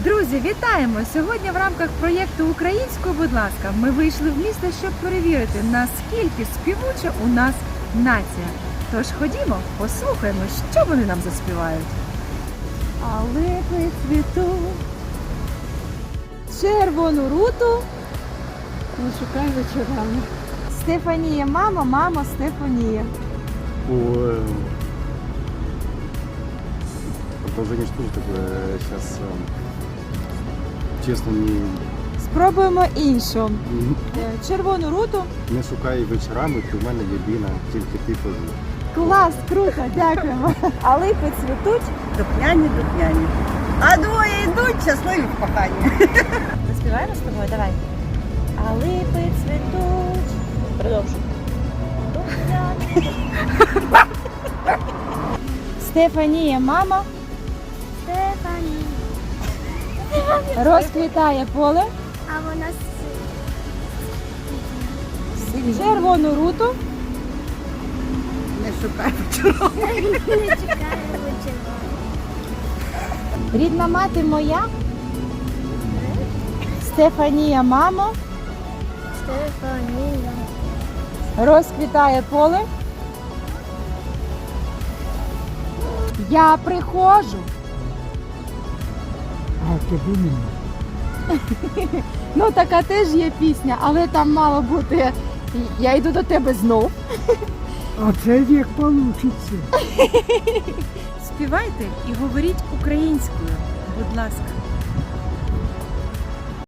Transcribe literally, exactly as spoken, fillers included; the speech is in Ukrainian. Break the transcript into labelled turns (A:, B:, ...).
A: Друзі, вітаємо! Сьогодні в рамках проєкту «Українською, будь ласка» ми вийшли в місто, щоб перевірити, наскільки співуча у нас нація. Тож ходімо, послухаємо, що вони нам заспівають. А липи цвітуть, червону руту
B: Не шукай вечорами.
A: Стефанія, мамо, мамо, Стефанія.
C: Ой. Продолжение что же такое сейчас, честно, не,
A: Спробуємо іншу. Червону руту.
C: не шукай вечорами, ти в мене єдина, тільки ти позна.
A: Клас, круто, дякуємо. А липи цвітуть.
D: Духняні, духняні. А двоє йдуть, щасливі в коханні.
A: Заспіваємо з тобою? Давай. А липи цвітуть. Продовжуй. Стефанія, мама,
E: Стефані,
A: розквітає поле,
E: а вона
A: червону руту.
D: Не шукай вечорами.
E: не чекає вечора.
A: Рідна мати моя. Стефанія, мамо,
E: Стефанія,
A: розквітає поле. Я приходжу.
B: А тобі мені.
A: Ну, така теж є пісня, але там мало бути «Я йду до тебе знов».
B: А це як получиться.
A: Співайте і говоріть українською, будь ласка.